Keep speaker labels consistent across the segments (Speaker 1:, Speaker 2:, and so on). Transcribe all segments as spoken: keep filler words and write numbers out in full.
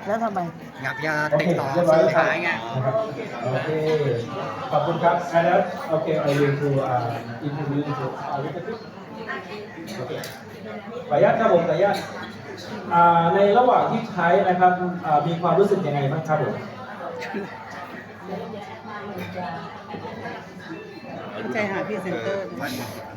Speaker 1: แล้วทำไม
Speaker 2: อยากจะ
Speaker 3: โอ
Speaker 2: ติด
Speaker 3: เค
Speaker 2: ต่อ
Speaker 3: เรียบร้อย
Speaker 2: ซื้อ
Speaker 3: แล้วครับ
Speaker 2: ขายไง
Speaker 3: นะครับโอเคขอบคุณครับอันนั้นโอเค I will to uh introduce to our executive โอเคขออนุญาตครับผมขออนุญาตอ่าในระหว่างที่ใช้นะครับอ่ามีความรู้สึกยังไงบ้างครับผม
Speaker 1: เข้าใจหาพรีเซนเตอร์นะ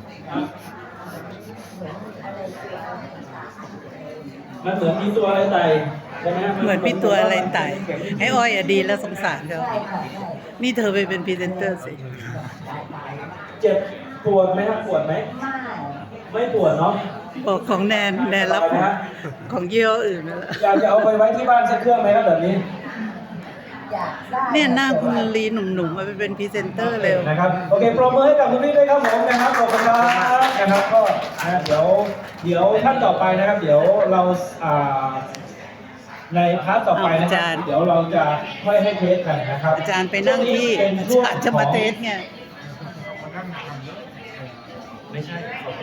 Speaker 3: มันเหมือนมีตัวอะไรไต่ใช่ไหม
Speaker 1: เหมือนพี่ตัวอะไรไต่ไอ้อ้อยอะดีแล้วสงสารเขานี่เธอไปเป็นพรีเซนเตอร์สิ
Speaker 3: เจ็บปวดไหมครับปวดไหมไม่ปวดเนาะ
Speaker 1: บอกของแนนแนนรับของของยี่ห้ออื่นนั่นแหละ
Speaker 3: อยากจะเอาไปไว้ที่บ้านสักเครื่องไหมครับแบบนี้
Speaker 1: เนี่ยหน้าคุณลีหนุ่มๆมาไปเป็นพรีเซนเตอร์เร็ว
Speaker 3: นะครับโอเคปรบมือให้กับคุณพี่ด้วยครับผมนะครับขอบคุณครับนะครับก็นะเดี๋ยวเดี๋ยวท่านต่อไปนะครับ เดี๋ยวเราอ่าในพาร์ทต่อไปนะค
Speaker 1: อา
Speaker 3: รั
Speaker 1: จารย์
Speaker 3: บเดี๋ยวเราจะค่อยให้เทสกันนะครับ
Speaker 1: อาจารย์ไปนั่งที่
Speaker 3: ช่วนี้เป็นช่วง
Speaker 1: อาจารย์จะมาเทสไง
Speaker 3: ไม่ใช่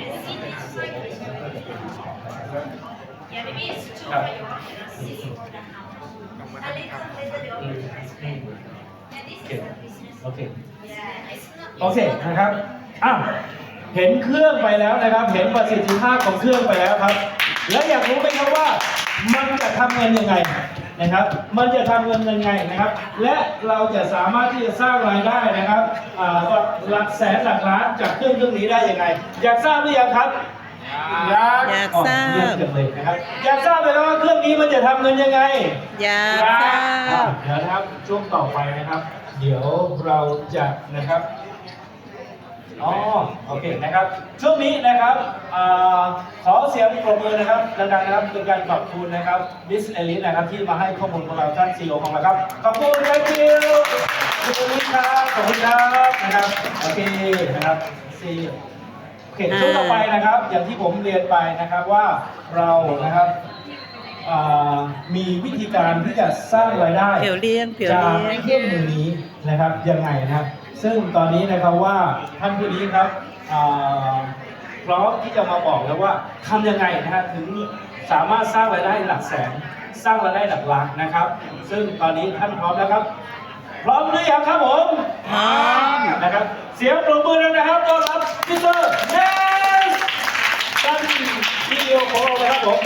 Speaker 4: Yeah, maybe it's too
Speaker 3: Yeah.
Speaker 4: but you want to see for the house. A little later they will be transferred. And this is the business.
Speaker 3: โอเค
Speaker 4: Yeah, it's not.
Speaker 3: โอเคนะครับอ้าวเห็นเครื่องไปแล้วนะครับ เห็นประสิทธิภาพของเครื่องไปแล้วครับ แล้วอยากรู้ไหมครับว่ามันจะทำเงินยังไงนะครับ มันจะทำเงินยังไงนะครับ และเราจะสามารถที่จะสร้างรายได้นะครับอ่าหลักแสนหลักล้านจากเครื่องเครื่องนี้ได้ยังไง อยากทราบหรือยังครับ อยาก
Speaker 1: อยากทราบ
Speaker 3: อ๋อเยี่ยมจังเลยนะครับ อยากทราบเลยครับว่าเครื่องนี้มันจะทำเงินยังไง
Speaker 1: อยากทราบ
Speaker 3: เดี๋ยวนะครับช่วงต่อไปนะครับ เดี๋ยวเราจะนะครับอ๋อโอเคนะครับ ช่วงนี้นะครับอ่าขอเสียงปรบมือนะครับดังๆนะครับเป็นการขอบคุณนะครับบิสเอลิสนะครับที่มาให้ข้อมูลของเราท่านซีอีโอของเราครับขอบคุณ thank you คุณเอลิสครับขอบคุณครับนะครับโอเคนะครับซีโอเคช่วงต่อไปนะครับ อย่างที่ผมเรียนไปนะครับว่าเรานะครับอ่ามีวิธีการที่จะสร้างรายได้
Speaker 1: เผียวเลี้ยงเผียว
Speaker 3: จาก
Speaker 1: เลี้ยง
Speaker 3: เครื่องมือนี้นะครับยังไงนะครับซึ่งตอนนี้นะครับว่าท่านผู้นี้ครับอ่าพร้อมที่จะมาบอกแล้วว่าทำยังไงนะฮะถึงสามารถสร้างรายได้หลักแสนสร้างรายได้หลักล้านนะครับ ซึ่งตอนนี้ท่านพร้อมแล้วครับ พร้อมหรือยังครับผม
Speaker 1: พร้อม
Speaker 3: นะครับเสียงปรบมือด้วยนะครับต้อนรับมิสเตอร์เนสท่านซีอีโอของเราเลยครับผม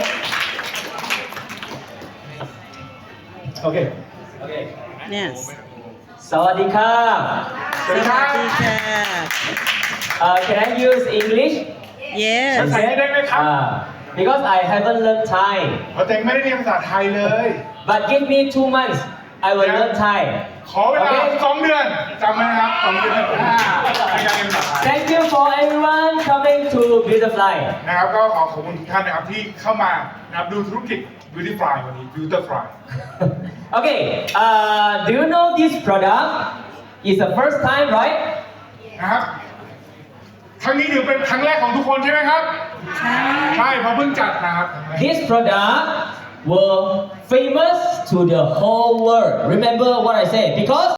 Speaker 3: โอเคโอเค
Speaker 1: เนี่ย
Speaker 5: สวัสดีครับ
Speaker 1: สวัสดีค่ะ
Speaker 5: Uh, can I use English?
Speaker 1: yes
Speaker 6: ภาษาไทยได้ไหมครับ
Speaker 5: Uh, because I haven't learned Thai.
Speaker 6: เพราะเต็งไม่ได้เรียนภาษาไทยเลย
Speaker 5: But give me two months, I will
Speaker 6: Yeah.
Speaker 5: learn Thai.
Speaker 6: ขอเวลา
Speaker 5: Okay?
Speaker 6: สองเดือนจำไว้นะครับสองเดือนอ่าในการเรียนภาษาไทย
Speaker 5: Thank you for everyone coming to Beautifly.
Speaker 6: นะครับก็ขอขอบคุณทุกท่านนะครับที่เข้ามานะครับดูธุรกิจ Beauty Fly วันนี้ Beauty Fly
Speaker 5: Okay, uh, do you know this product? It's the first time, right?
Speaker 6: นะครับครั้งนี้ถือเป็นครั้งแรกของทุกคนใช่ไหมครับ ใช่เพราะเพิ่งจัดนะครับ
Speaker 5: This product will famous to the whole world. Remember what I said because